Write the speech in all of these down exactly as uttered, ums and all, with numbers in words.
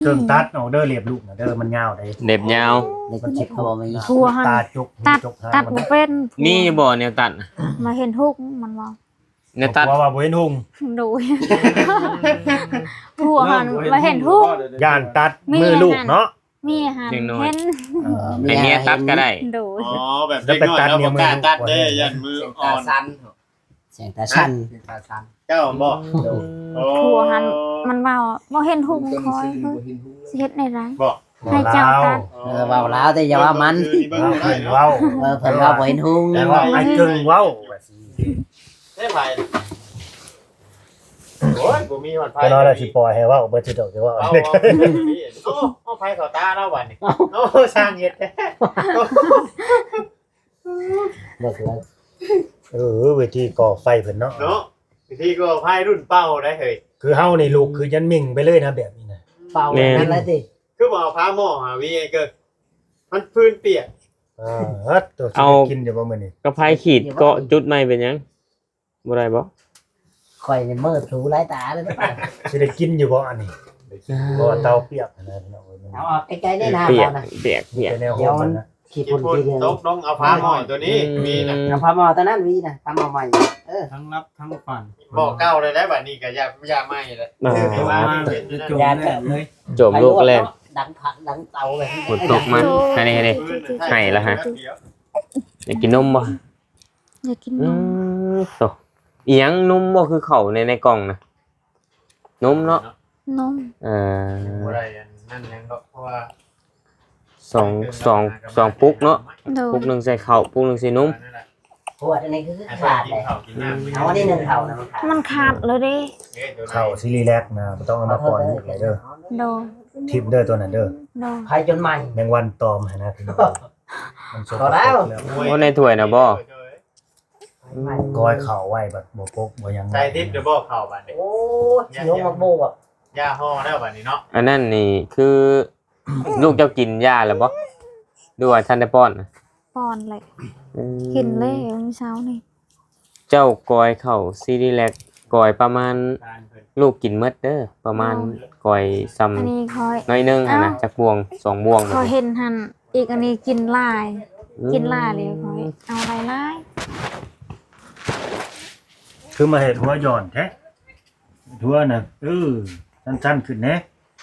เครื่องตัดออกเด้อเรียบลูกนะเด้อมันยาวได้เด็บยาวในคนชิปเขาบอกมีทัวหันตาจุกตัดจุกหางตัดมันบ่เป็นมีบ่แนวตัดน่ะมาเห็นทุกมันว่าแนวตัดว่าว่าบ่เห็นหุงดูทัวหันมาเห็นทุกย่านตัดมีมือลูกเนาะมีหันเห็นเออให้เมียตัดก็ได้ดูอ๋อแบบเด็กน้อยเราบ่กล้าตัดเด้ยันมืออ่อนสั้นเสียงตาชันตาสั้นเจ้าบ่โอ้ทัวหันมันว่าบ่เห็นทุกคอยเฮ้ยสิเฮ็ดในไรบ่ให้เจ้าตัดเออเว้าแล้วแต่อย่าว่ามันเบิ่งเราได้เห็นเนาะเว้าเออเพิ่นว่าบ่เห็นหุงแต่ว่าไอ้กึ่งเว้าว่าสิได้ไผโอ้ยบ่มีฮอดไผก็นอนแล้วสิปล่อยให้เว้าเบิดสิดอกจะเว่าเอาเด็กโอ้เอาไผเข้าตาเราบัดนี้โอ้สร้างเฮ็ดแท้บ่คือเออเวทีก่อไฟเพิ่นเนาะเนาะวิธีก็ไผรุ่นเป้าได้เฮ้ยคือเฮานี่ลูกคือยันมิ่งไปเลยนะแบบนี้นะเป่าแบบนั้นเลยสิคือบ่เอาผ้าหม้อหาวีไอ้เกิดมันพื้นเปียกอ่าฮัดตัวสิได้กินเดี๋ยวบ่มื้อนี้ก็ไผขีดเกาะจุดใหม่เป็นหยังบ่ได้บ่ข่อยนี่มืดถูหลายตาเลยป่ะสิได้กินอยู่บ่อันนี้บ่เตาเปียกนะพี่น้องเอ้ยมันเอาออกใกล้ๆได้นะเปียกเอานะเปียกเปียกเป็นแนวโหดมันนะขี้ญี่ปุ่นปุ่นขี้เดียวตกลงเอาผ้าหม้อตัวนี้มีนะเอาพาหมอตอนนั้นมีนะพาหมอใหม่เออทั้งรับทั้งฝันบอกเก้าเลยได้บัดนี้ก็อย่าอย่าไหม้เลยอ่าเดี๋ยวว่าจะจบแล้วเลยจบลูกแรกดังผักดังเตาเลยฝนตกมาให้นี่ให้นี่ ให้แล้วฮะ อยากกินนมบ่อยากกินนอืมมโตอีหยังนมบ่คือเข้าในในกล่องน่ะนมเนาะนมเอ่ออะไรนั่นยังเพราะว่าสองสองสองปุ๊กเนาะดูปุ๊กหนึงใส่ข้าวปุ๊กหนึงใส่นมขวดอันนี้คือขาดเลยเอาอันนี้หนึ่งเท่านะมันขาดมันขาดเลยดิเข้าซิลีแลกนะบ่ต้องเอามาปล่อยลูกเลยเด้อดูทิปเด้อตัวนั้นเด้อดูไผจนใหม่แมงวันตอมหนนะพี่น้องมันสกปรกพอแล้วโอ้ในถ้วยน่ะบ่กอยเข่าไว้แบบบ่ปกบ่หยังใจทิพย์เดี๋ยวบอกเข่าบัดนี้โอ้ยยงมาโบกอ่ะย่าห่อแล้วบัดนี้เนาะอันนั้นนี่คือ ลูกเจ้ากินยาแล้วบ่ดูว่าท่านได้ป้อนน่ะป้อนเลยอืมกินเลยมื้อเช้านี่เจ้ากอยเข้าซีรีแลกกอยประมาณลูกกินหมดเด้อประมาณกอยซ้ำอันนี้คอยน้อยหนึงหั่นน่ะจักบวงสองบวงคอยเห็นหันอีกอันนี้กินลาย กินลายเลยคอยเอาอะไรลายคือมาเฮ็ดหัวย้อนแท้หัวน่ะเออสั้นๆขึ้นแหน่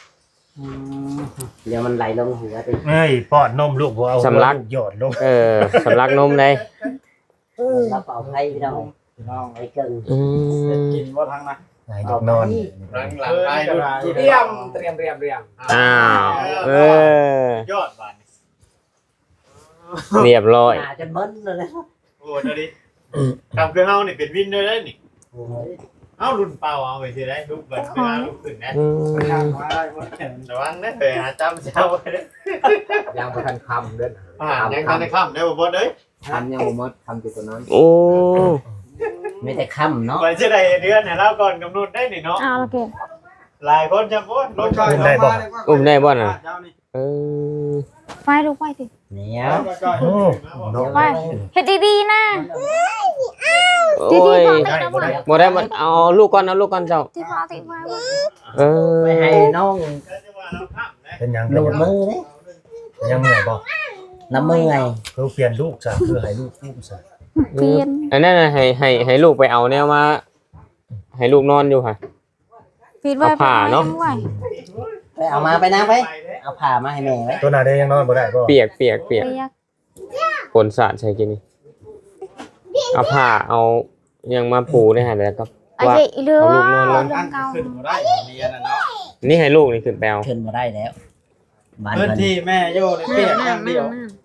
เดี๋ยวมันไหลลงหัวไปเอ้ยป้อนนมลูกบ่เอาหัวลูกหยอดลงเออสำลักนมได้เราเป่าไพ่พี่น้องน้องไอ้เกิงอืมกินว่าทั้งนะไหนเด็กนอนหลังหลังไปดูเตรียมเตรียมเตรียมเตรียมอ้าวเออยอดบัดนี้เรียบร้อยหาจนเบิ้ลเลยนะโอ้เดี๋ยวดิทำคือเฮานี่เป็นวินด้วยได้นี่เอ้ารุ่นเป่าเอาไปสิได้ลูกเบิดเวลาลูกขึ้นนะอืไปทางมมาได้หมดระวังนะเฮ้ยหาจำเจ้าไว้เด้อยังประทันคำเด้ออ่ายังทันได้ค่ำได้บ่บ่เด้ยคำยังบ่หมดคำติดตัวนั้นโอ้ไม่แต่ค่ำเนาะมันจะได้เดือนให้เราก่อนกำหนดได้นี่เนาะเอาละเก็บหลายคนจะโอ้ยรถไฟอุ้มได้บ่น่ะเออไปลูกไปสิเนี่ยโอ้นกไปเฮ็ดดีๆนะโอ้ดียๆก่อนไปนะบ่บ่ได้มันเอาลูกก่อนเอาลูกก่อนเจ้าที่พอที่มาเออไปให้น้องเป็นหยังหลุดมือเลยเป็นหยังเมื่อยบ่น้ำมือไงคือเปลี่ยนลูกซะคือให้ลูกอุ้มซะเปลี่ยนอันนั้นน่ะให้ให้ให้ลูกไปเอาแนวมาให้ลูกนอนอยู่ค่ะปิดไว้เอาผ้าเนาะไว้ไปเอามาไปนะไปเอาผ่ามาให้แม่ไว้ตัวน่ะได้ยังนอนบ่ได้บ่เปียกเปียกเปียกเปียกฝนสาดใช่กินนี่เอาผ้าเอายังมาปูได้หาแล้วก็ไอ้ว่าเจ๊อีเรือเอาลูกนอนลงเรื่องเก่าขึ้นบ่ได้เรียนน่ะเนาะนี่ให้ลูกนี่ขึ้นไปเอาขึ้นมาได้แล้วบ้านพื้นเพิ่นที่แม่โย่ในเปียกอย่างเดียว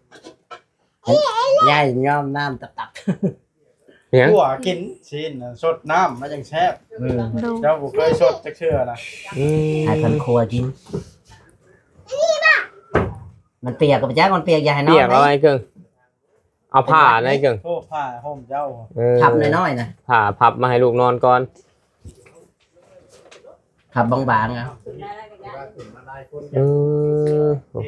ย่ายย่อมน้ำตับตับเนียงหัวกินชิ้นน่ะสดน้ำมันจังแซ่บอืมดูเจ้าบ่เคยสดจักเชื่อนะอืมให้คนครัวกินมันเปียกกับจ้ามันเปียกอย่าให้น้อเปีงยกเอาไอ้เกิงเอาผ้าอะไรเกิงโทษผ้าห่มเจ้าเออพับน้อยๆนะผ้าพับมาให้ลูกนอนก่อนพับบางๆอ่ะเออ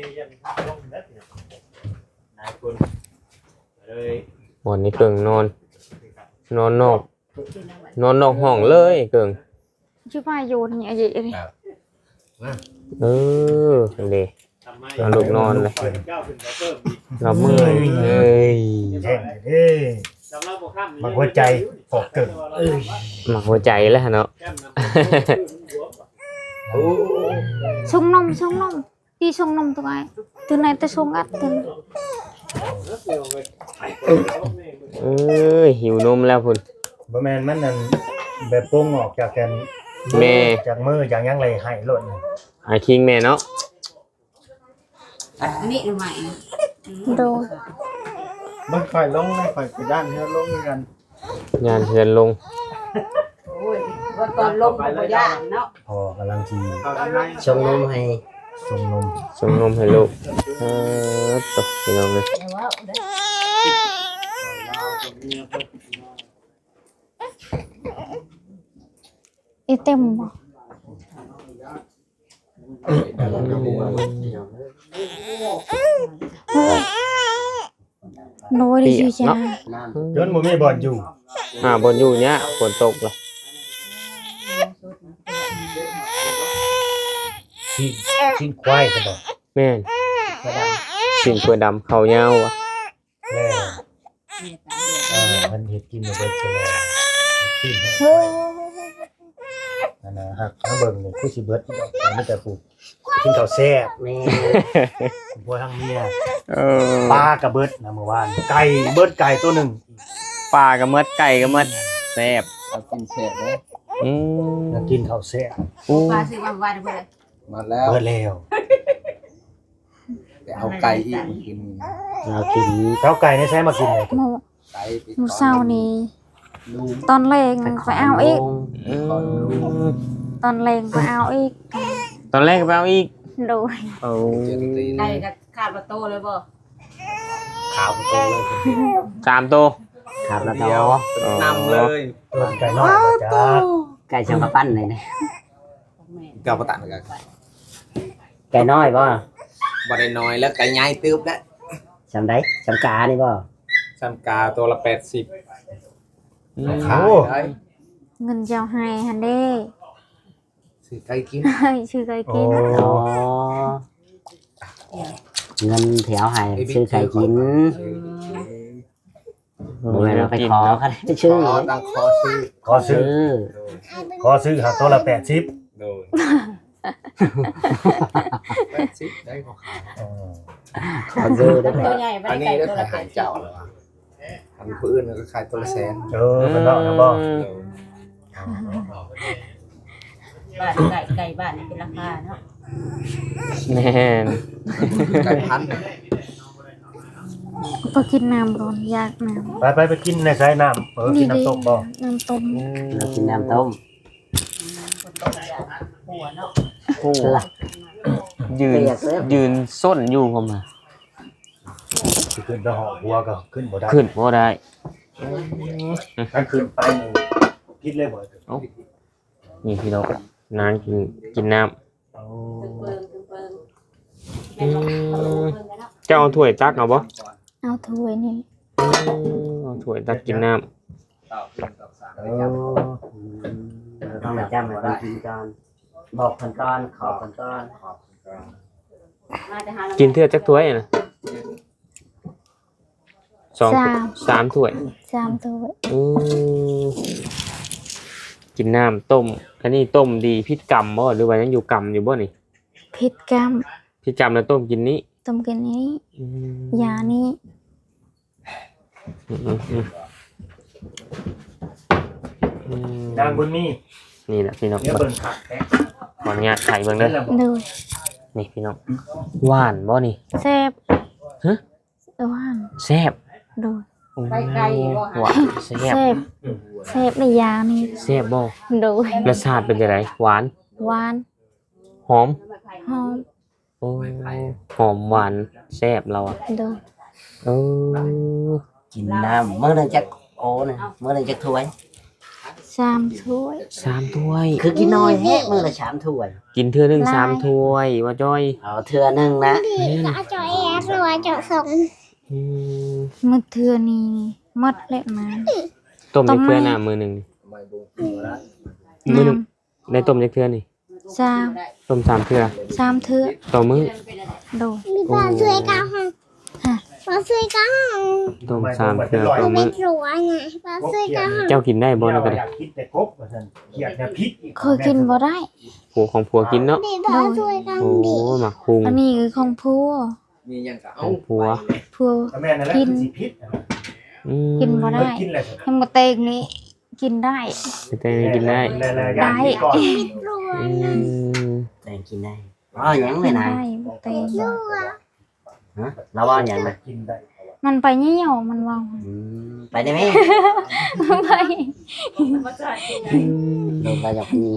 หลายคนเลยวันนี้เกิงนอน นอนนอก นอนนอกห้องเลยเกิงชื่อว่าโยนเนี่ยไอ้เจ๊เลยเออเลยทำไมเอาลูกนอนเลยเจ้าขึ้นไปเพิ่มอีกเราเมื่อยเอ้ยแห้งเด้อสำหรับบ่ค่ำมันหัวใจฟอกเกินเอ้ยหมักหัวใจแล้วเนาะแก้มน้ำโอ้ Sung nông sung nông đi sung nông tụi ai từ này tới sung ắt từ เอ้ยหิวนมแล้วพุ่นบ่แม่นมันนั่นแบบโป่งออกจากกันแม่จากมือจากหยังไรให้โลดนี่ไอ้คิงแม่เนาะนี่ทำไม rồi บ่ค่อยลงนะค่อยไปด้านเฮือลงกันงานเฮือนลงโอ้ยว่าตอนลงบ่ย่านเนาะพอกำลังทีเข้าทางในชงนมให้ส่งนมส่งนมให้ลูกเออตกพี่น้องเลย đi tìm mà nói đi chứ cha จนบ่มีบ่อนอยู่อ่าบนอยู่เนี้ยฝนตกเลยที่ที่ควายก็บอกแม่นสิ่งกล้วยดำเขายาวอ่ะแม่เอ่อมันเฮ็ดกินบ่เบิดซะแล้วที่ให้นั่นนะฮักถ้าเบิ่งนี่คือสิเบิดดอกแต่มีแต่ปลูกกินข้าวแซ่บแม่บัวทางเมียเออปลากระเบิดนะเมื่อวานไก่เบิดไก่ตัวหนึงปลากับมดไก่กับมดแซ่บเอากินเสร็จแล้วอืมอยากกินข้าวแซ่บอู้ปลาซื้อมาวันเพิ่นมาแล้วเบิดแล้วไปเอาไก่อีกมากินเรากินข้าวไก่ในใช้มากินเลย một ไก่ไป một sau này ลูก toàn lên phải ao ít อืม toàn lên phải ao ít ตอนแรกก็ไปเอาอีก rồi เอาเจ็ดตีนได้ก็ขาดประตูเลยบ่ขาวโตเลยสามตัวขาดประตูเดียวนำเลยตัวไก่น้อยก็จ้าไก่ชำปะปั้นเลยนะเก่าประตันกันไก่น้อยบ่บ่ได้น้อยแล้วไก่ใหญ่ตึบแล้วชำได้ชำกานี่บ่ซัมกาตัวละแปดสิบอืมขายได้ ngân chào hai hàn đê ซื้อไก่กิน chưa cái โอ้ kia อ๋อเงินแถวให้ซื้อไข่กินบ่แม่นเราไปขอเขาได้ไปชื่อขอตั้งคอซื้อขอซื้อซื้อขอซื้อหาตัวละแปดสิบโดยแปดสิบได้ขอขายอ๋อขอซื้อได้ไหมอันนี้ได้ขายหายเจ้าแล้วอ่ะอันผู้อื่นก็ขายตัวละแสนเออมันเนาะนะบ่โดยบ้านไก่ไก่บ้านนี่เป็นราคาเนาะแม่นไก่พันไปกินน้ำก่อนอยากน้ไปไปไปกินในสายน้ำเออำกินน้ำตกบ่น้ำต้มเรากินน้ำต้มหัวเนาะโอ้ยืนยืนส้นอยู่ผมอ่ะสิขึ้นไปหอหัวก็ขึ้นบ่ได้ขึ้นบ่ได้ถ้าขึ้นไปนี่พิษเลยบ่นี่พี่น้องนางกินกินน้เอาเปิงเปิงำอืมเจ้าเอาถ้วยตักเอาบ่เอาถ้วยนี่เอาถ้วยตักกินน้เออเราต้องมาจำแบบกินก่อนบอกคนก่อนขอคนก่อนมาแต่หาำกินเทื่อจักถ้วยนะสองสามถ้วยสามถ้วยอืมกินน้ำต้มอันนี้ต้มดีพิษกรรมบ่หรือว่ายังอยู่กรรมอยู่บ่นี่ผิดกรรมพิษกรรมแล้วต้มกินนี้ต้มกินนี้อืมยานี้อืมอืมอืมอืมนางบุญมีนี่แหละพี่น้องเนี่ยเบิ่งผักแท้ขออนุญาตไข่เบิ่งเด้อนั่นแหละบ่ดูนี่พี่น้องหวานบ่นี่แซ่บฮะเออว่านแซ่บดูโอ้หวานแซ่บแซ่บแซ่บในยานี้แซ่บบ่ดูรสชาติเป็นจังไดหวานหวานหอมหอมโอ้หอมหวานแซ่บเราอ่ะดูเออกินน้ำเมื่อนึงจะโอ้นะเมื่อนึงจะถ้วยสามถ้วยสามถ้วยคือกินน้อยแฮะมื้อละสามถ้วยกินเทื่อหนึงลายสามถ้วยว่าจ้อยเอาเทื่อหนึงนะอืมมือเทือนี้หมดเลยมาต้มต้จัมกเทื่อไหมน่ะมือหนึงไม่บุกอยู่แล้วมือหนึงน้ได้ต้มจักเทื่อนี่ำสามต้มสามเทื่อสามเทื่อต่อมื้อโดยมีปลาช่วยกันค่ะปลาช่วยกันต้มสามเทื่อต่อเป็มื้นอรัวไงปลาช่วยกันเจ้ากินได้บ่นะก็ได้อยากคิดแต่กบว่าซั่นเกลียดแต่พิษอีกเคยกินบ่ได้ผัวของผัวกินเนาะดีปลาช่วยกันโอ้ดีหมักคุงอันนี้คือของพัวมีหยังก็ขเอาองผัวพัวก็แม่นั่นแหละคือสิพิษอะอืมกินบ่ได้เพิ่นกินแหละทั้งหมดเตงนี้กินได้แต่กินได้ได้รัวอืมแต่กินได้อ๋ออย่างกิเลยนนะได้หมดเตงฮะเราว่าอย่างไรกินได้มันไปเหี่ยวมันว่าอืมไปได้ไหมไปอืมเราไปหยอกนี่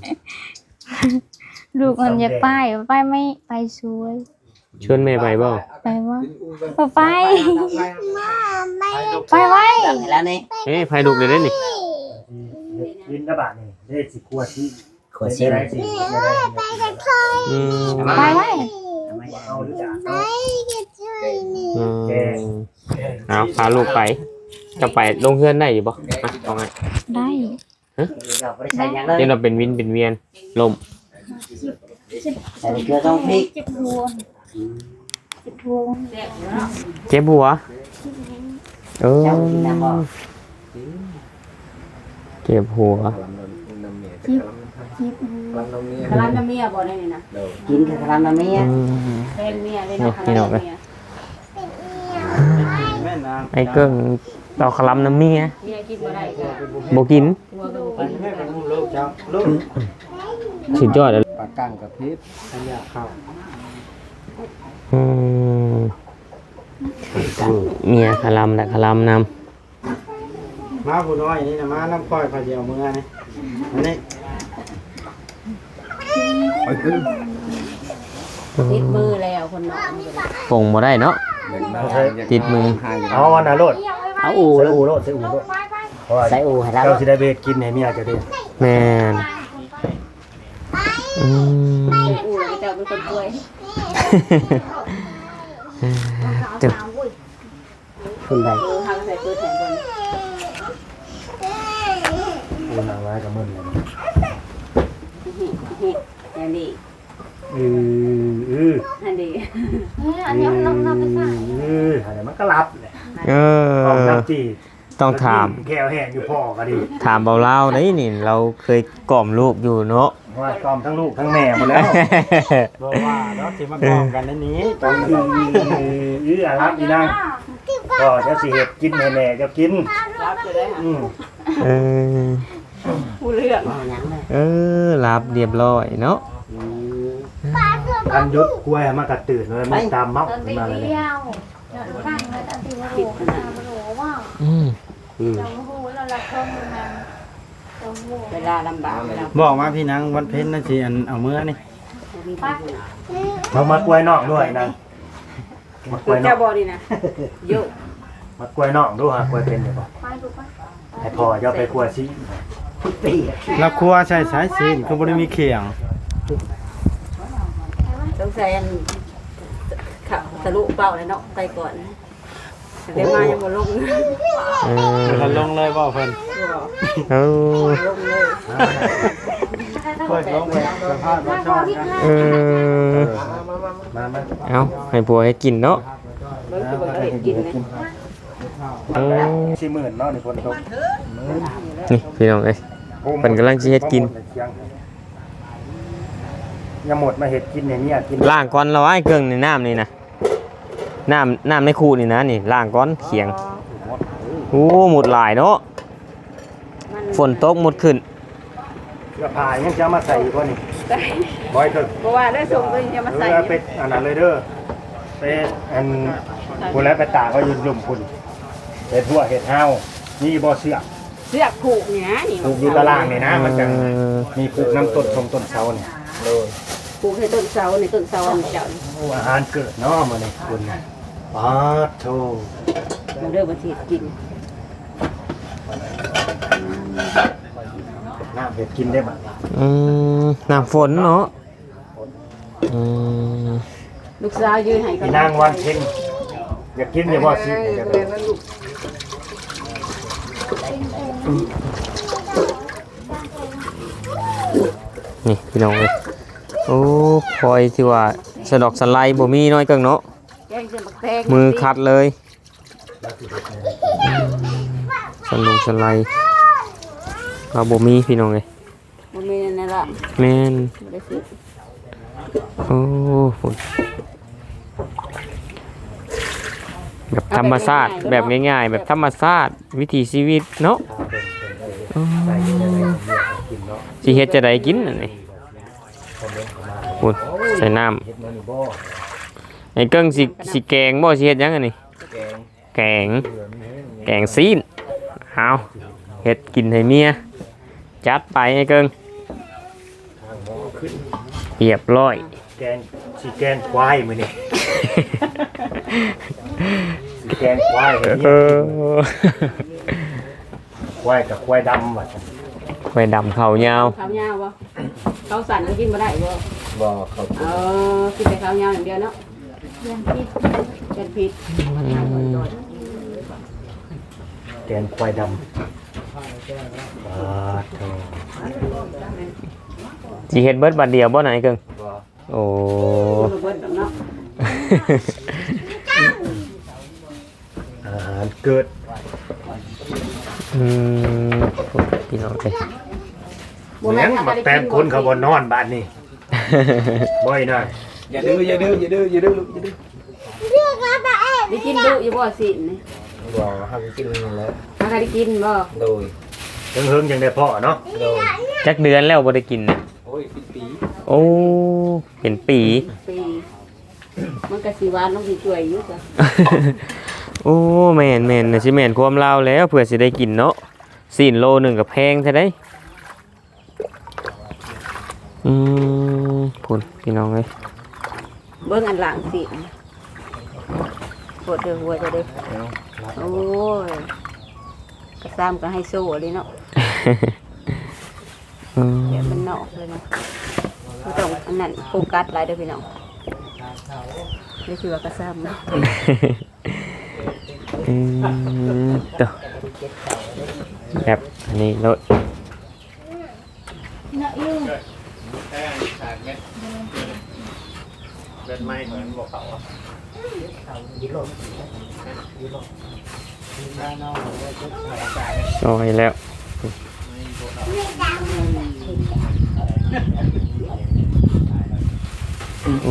ลูกมันอยากไปไปไม่ไปสวยชวนแม่ไปบ่ไปว่าบ่ไปมาไม่ไปไว้แล้วนี่เอ้ยไผลูกเลยเด้อนี่กินกระบะนี่ได้สิกลัวที่ขวดซิมได้สิได้ไปกันเคยอืมไปไว้เอาหรือจะไปกันช่วยนี่อืมเอาพาลูกไปจะไปลงเฮือนได้อยู่บ่อ่ะเอาไงได้เราไม่ได้ใส่ยังเลยเดี๋ยวเราเป็นวินเป็นเวียนลมใส่เกลือต้องพริกเจ็บหัวเจ็บหัวเจ็บหัวเออเจ้ากินน้ำบ่เจ็บหัวน้ำเมียเจ็บหัวกำลังน้ำเมียกะลาน้ำเมียบ่ได้นี่นะกินกับกะลำน้ำเมียอืมแฟนเมียเลยเนาะนี่กะลานี่น้ำเมียแม่นางไอ้เกิ้งต่อคลำน้ำเมียเมียกินบ่ได้ก็บ่กินตัวก็บ่กินแม่เป็นลูกเจ้าลูกสุดยอดเลยปากกั้งกับพริษขยะข้าวอืมเมียคลำแต่คลำนมาผู้น้อยนี่นะมาน้ำค่อยพาเดียวมือนี่อันนี้ไปขึ้นำติดมือแล้วคนน้องปงบ่ได้เนาะ ติดมือเอาอันน่ะโลดเอาอูใส่แล้วอูโลดใส่อูโลดเพราะว่าใส่อูให้เราเจ้าสิได้เบกินให้เมียจะได้แม่นอืมอู้แล้วเจ้าเป็นคนป่วยจึ๊บคุณใดเออทางใส่ปืนแทนคนอูนางไว้กับมึนเลยเฮ็ดอย่างนี้เออเอออันนี้อันนี้น้ำน้ำไปใส่เอออันนี้มันก็รับแหละเอต้องอน้ำจีต้องถามแก้วแห้งอยู่พ่อก็ดีถามเบาเล่าได้นี่เราเคยกล่อมลูกอยู่เนาะว่ากอมทั้งลูกทั้งแม่หมดแล้วบอกว่าเนาะที่มากองกันในนี้ตอนเออเออเอออารับอีนางก็จะสิเห็ดกินให้แม่เจะกินรับจะได้หาอืมเออผู้เรื่องเอาหยังเลยเออรับเรียบร้อยเนาะอืมคันยุดกล้วยมากระตื่นเลยมันตามเมาตอนตีมาเลยเดียวตั้งเลยตอนตีว่าโหมันโหว่าอืมอืมเราโหเราละครมันเราโหเวลาลำบากเวลาบอกมาพี่นางวันเพ็ญนั่นสิอันเอาเมื่อนี่มีปัญหามามากล้วยนอกด้วยนางมากล้วยนอเจ้าก บ่ดีนะโยมากล้วยนอกด้วยฮะกล้วยเป็นเดี๋ยวบอกไปดูปะให้พ่อจะไปกล้วยซิปีแล้วครัวใช้สายซีนก็บ่ได้มีเขียงต้องใส่อันขับทะลุเป้าเลยเนาะไปก่อนเดี๋ยวมายังบ่ลงเออเพิ่นลงเลยบ่เพิ่นเออลงเลยเพิ่นลงไปสภาพบ่ชอบนะเออมามาเอาให้ผัวให้กินเนาะเบิ่งคือบ่เคยกินเลยเออสี่หมื่นเนาะนี่คนตกนี่พี่น้องเอ้ย เพิ่นกำลังสิเฮ็ดกินยังหมดมาเฮ็ดกินในเนี่ยกินล้างก่อนเราไอ้เครื่องในน้ำนี่นะน้ำน้ำในคูนี่นะนี่ล้างก่อนเขียงโอ้หมดหลายเนาะฝนตกหมดขึ้นเสื้อผ้ายังจะเอามาใส่อีกว่านี่บ่อยเถอะเพราะว่าได้ส่งไปจะมาเอใส่อไปอันนั้นเลยเด้อไปอันคนแล้วไปตากก็ยืนลุ่มคุณเห็ดหัวเห็ดเฮานี่บ่เสือกเสื้อผูกเนี่ยนี่ปลูกอยู่ตารางนี่นะมันจะมีปลูกน้ำต้นชมต้นเสาเนี่ยผูกให้ต้นเสาในต้นเสาอันเจ้านี่โอ้อาหารเกิดเนาะมื้อนี้คุณป๊าดโธ่มันเริ่มมาสิกินน้ำเห็ดกินได้บ่อืมน้ำฝนเนาะอืมลูกสาวยืนให้กัพี่นางวันเพ็ญอยากกินอย่าบ่สิอยากกินนี่พี่น้องเลยโอ้พลอยที่ว่าสะดอกสไลด์บ่มีน้อยเกิงเนาะแกงเส้นบักแตงมือคัดเลยสลงสไลด์เราบ่มีพี่น้องเลยบ่มีนั่นล่ะแม่นบ่ได้ซื้อโอ้ฝุ่นแบบธรรมชาติแบบง่ายๆ แบบธรรมชาติวิถีชีวิตเนาะอ๋อสิเฮ็ดจะได้กินอันนี้ฝุ่นใส่น้ำไอ้เกิ้งสิสิแกงบ่สิเฮ็ดหยังอันนี้แกงแกงซีนเอาเฮ็ดกินให้เมียจัดไปไอ้เกิ้งเรียบร้อยแกงสิแกงควายมื้อนี้ แกงควายให้เอเมียอควายกับควายดำว่าซั่นไปดำเขายาวข้าวยาวบ่ข้าวสั่นก็กินบ่ได้บ่บ่เขาเออกินแต่ข้าวยาวอย่างเดียวเนาะยังพิษเป็นพิษแกงควายดำบาดเถอะสิเฮ็ดเบิดบัดเดียวบ่ไหนเกิงบ่โอ้บ่เบิดดอกเนาะอาหารเกิดอืมพี่น้องเอ้ยบ่แม่แม่งนมาแปมคนเขาบ่นอนบ้านนี่บ่อยน่ะอย่าดื้ออย่าดื้ออย่าดื้ออย่าดื้อลูกอย่าดื้อได้กินดุอยู่บ่สินี่บ่ห้ามกินนั่นแหละถ้าใครได้กินบ่โดยเฮิงๆจังได้พ่อเนาะโดยจักเดือนแล้วบ่ได้กินน่ะโอ้ยปีปีโอ้เป็นปีปีมันก็สิหวานลงสิช่วยอยู่จ้ะโอ้แม่นแม่นน่ะสิแม่นความลาวแล้วเพื่อสิได้กินเนาะสี่โลหนึงก็แพงแท้ได้อืมพุ่นพี่น้องเอ้ยเบิ่งอันหลังสิปวดเด้อหัวจะเด้อโอ้ยกระซ้ำก็ให้โซ่เลยเนาะอืมเดี๋ยวมันนอกเลยเนาะบ่ต้องอันนั้นโฟกัสหลายเด้อพี่น้องนี่คือว่ากระซ้ำเนาะอืมต่อแบบอันนี้รถเนาะอยู่แป้งขาดเม็ดเม็ดไม้เหมือนบ่เขาอ่ะซอยแล้วโอ้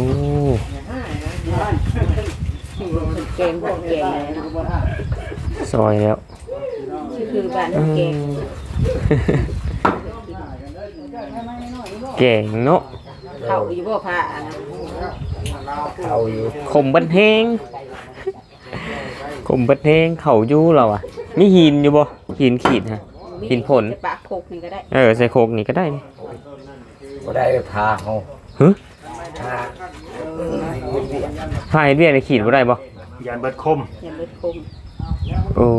แกงพวกแกงเลยเนาะซอยแล้วนี่คือบ้านแกงแกงเนาะเขาอยู่บ่ผ้านะเขาอยู่ขมบัดแห้งขมบัดแห้งเขาอยู่เราอ่ะมีหินอยู่บ่หินขีดฮะหินผลจะปากโคกนี่ก็ได้เออใส่โคกนี่ก็ได้นี่บ่ได้พาเฮาฮึพาพายเรียกในขีดบ่ได้บ่ยานเบิดคมอย่าเบิดคมโอ้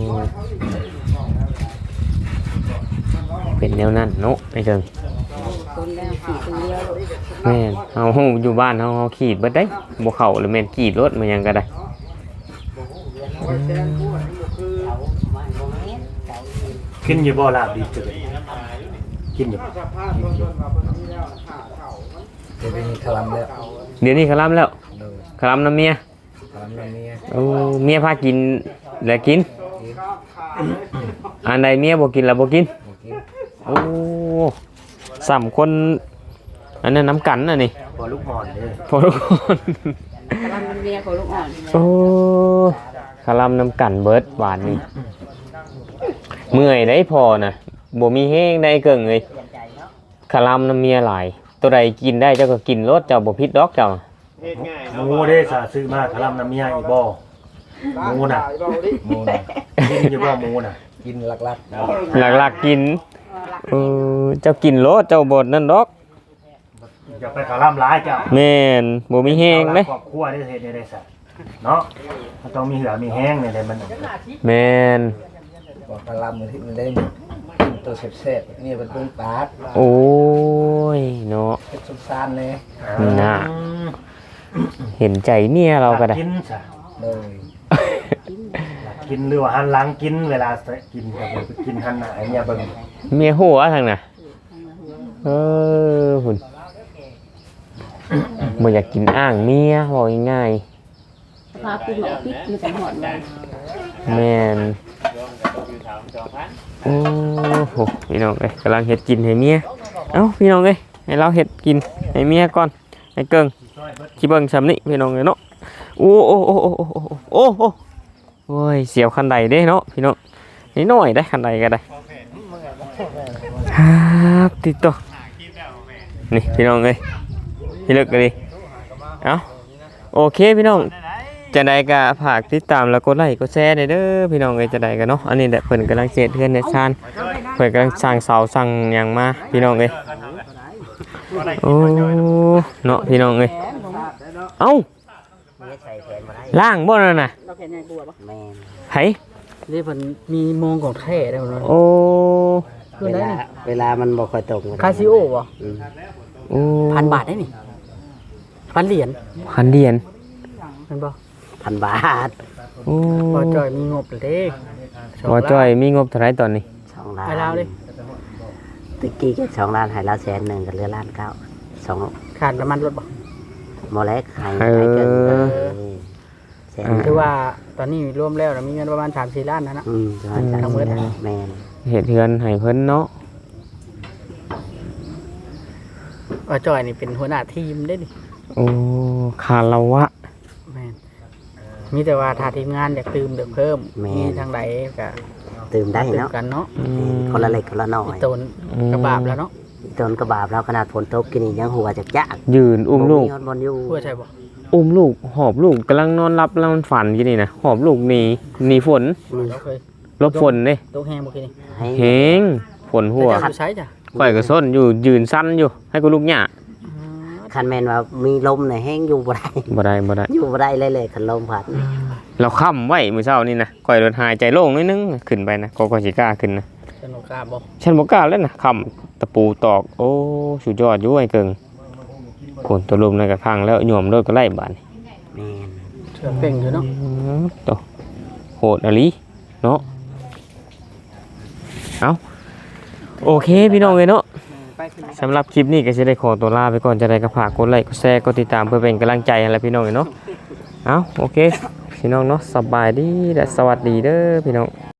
เป็นแนวนั้นเนาะไอ้เกิงคนแล้วขี่คนเดียวแม่นเฮาอยู่บ้านเฮาเฮาขีดเบิดได้บ่เข้าหรือแม่นขีดรถมันหยังก็ได้กินอยู่บ่ลาบดีจังกินอยู่บ่เดี๋ยวนี้คลำแล้วเดี๋ยวนี้คลำแล้วโดยคลำน้ำเมียคลำแล้วเมียโอ้เมียพากินแล้วกินอันใดเมียบ่กินแล้วบ่กินบ่กินโอ้สามคนอันนั้นน้ำกันน่ะนี่พอลูกอ่อนเด้อพอทุกคนกำลังเป็นเมียของลูกอ่อนโอ้คลำน้ำกันเบิดหวานนี่เมื่อยได้พอน่ะบ่มีแห้งได้เกิงเลยคลำน้ำเมียหลายตัวใดกินได้เจ้าก็กินรสเจ้าบ่ผิดดอกเจ้าเฮ็ดง่ายหเนาะมูเด้สาซื้อมาคลำน้ำเมียอีบ่หมูน่ะหมูน่ะกินอยู่บ่หมูน่ะกินหลักหลักๆกินเออเจ้ากินรสเจ้าบ่นั่นดอกอย่าไปคลำหลายเจ้าแม่นบ่มีแห้งเด้ครอบครัวได้เฮ็ดได้ได้ซะเนาะมันต้องมีเหือมีแห้งนี่แหละมันแม่นๆบ่คลำที่มันได้กินตัวแซ่บๆนี่เป็นเบิ่งปากโอ้ยเนาะเป็นสุสานเลยน่ะ เห็นใจเมียเราก็ได้กินซะโดยกินหรือว่าหันหลังกินเวลากินก็ไปกินหันหน้าให้เมียเบิ่งเมียหัวทางน่ะเออหุ่นบ่อยากกินอ้างเมียบอกง่ายพาปิดหมอปิดมีแต่หอดเลยๆแม่นโอ้โหพี่น้องเอ้ยกำลังเฮ็ดกินให้เมียเอ้าพี่น้องเอ้ยให้เราเฮ็ดกินให้เมียก่อนให้เกิงสิเบิ่งซำนี้พี่น้องเอ้ยเนาะโอ้โอ้โอ้โอ้โอ้โอ้โอ้โอ้ยเสียวคันใดเด้เนาะพี่น้องนิดหน่อยได้คันใดก็ได้ครับติดต่อนี่พี่น้องเอ้ยพี่เลิกกันดิเอ้าโอเคพี่น้องจะได้ก็ฝากติดตามแล้วกดไลค์กดแชร์ได้เด้อพี่น้องเอ้ยจะได้กันเนาะอันนี้แหละเพิ่นกำลังเฮ็ดเฮือนในชานเพิ่นกำลังสร้างเสาสร้างหยังมาพี่น้องเอ้ยโอ้เนาะพี่น้องเอ้ยเอ้าไม่ใส่แขนมาได้ล่างบ่นั่นน่ะเราแค่ไหนบัวปะแม่นไผนี่เพิ่นมีโมงของแท้ได้บ่เนาะโอ้คือเวได้ลานี่เวลามันบ่ค่อยตรงกันคาซิโอบ่อืมโอ้พันบาทได้นี่พันเหรียญพันเหรียญแม่นบ่พันบาทโอ้บ่จอยมีงบเลยเด้บ่จ้อยมีงบเท่าไหร่ตอนนี้สองล้านให้เราดิตะกี้ก็สองล้านให้เราแสนหนึ่งก็เหลือล้านเก้าสองขาดน้ำมันรถบ่โมเล็กให้ให้เกินเออแสนหนึ่งคือว่าตอนนี้รวมแล้วน่ะมีเงินประมาณสามสี่ล้านนะนะอืมประมาณสามทั้งหมดแม่นเฮ็ดเฮือนให้เพิ่นเนาะว่าจอยนี่เป็นหัวหน้าทีมได้นี่โอ้คาราวะแม่นมีแต่ว่าถ้าทีมงานอยากตื่มเดี๋ยวเพิ่มมีทางใดก็ตื่มได้ตื่มเนาะกันเนาะอืมคนละเล็กคนละน้ออียตนกระบาบแล้วเนาะจนกระบาบแล้วขนาดฝนตกกินนี่ยังหัวจักจักยืนอุ้มลูกบนอยู่พูดใช่บ่อุ้มลูกหอบลูกกำลังนอนหลับแล้วมันฝันอยู่นี่นะหอบลูกหนีหนีฝนเราเคยหลบฝนเด้ตกแห้งบ่คิดนี่ให้เฮงฝนหัวแต่เจ้าอยู่ใช้จ้ะข่อยก็ส้นอยู่ยืนสั้นอยู่ ให้กูลูกหญ้าคันแมนว่ามีลมเนี่ยแห้งอยู่บ่ได้บ่ได้บ่ได้อยู่บ่ได้เลยเลยคันลมพัดเราค้ำไว้มื้อเช้านี่นะข่อยโดนหายใจโล่งนิดนึงขึ้นไปนะก็ก็สิกล้าขึ้นนะสนุกกล้าบ่ฉันบ่กล้าแล้วนะค้ำตะปูตอกโอ้สุดยอดอยู่ไอ้เกิงฝนตัวลมนั่นก็พังแล้วหย่อมโดดก็ไล่บาดนี่แม่นเชื่อเป่งอยู่เนาะอืมโตโหดอะลีเนาะเอาโอเคพี่น้องเอ้ยเนาะไปขึ้นสำหรับคลิปนี้ก็จะได้ขอตัวลาไปก่อนจะได้ก็ฝากกดไลค์กดแชร์กดติดตามเพื่อเป็นกำลังใจให้และพี่น้องเนาะเอาโอเคพี่น้องเนาะสบายดีและสวัสดีเด้อพี่น้อง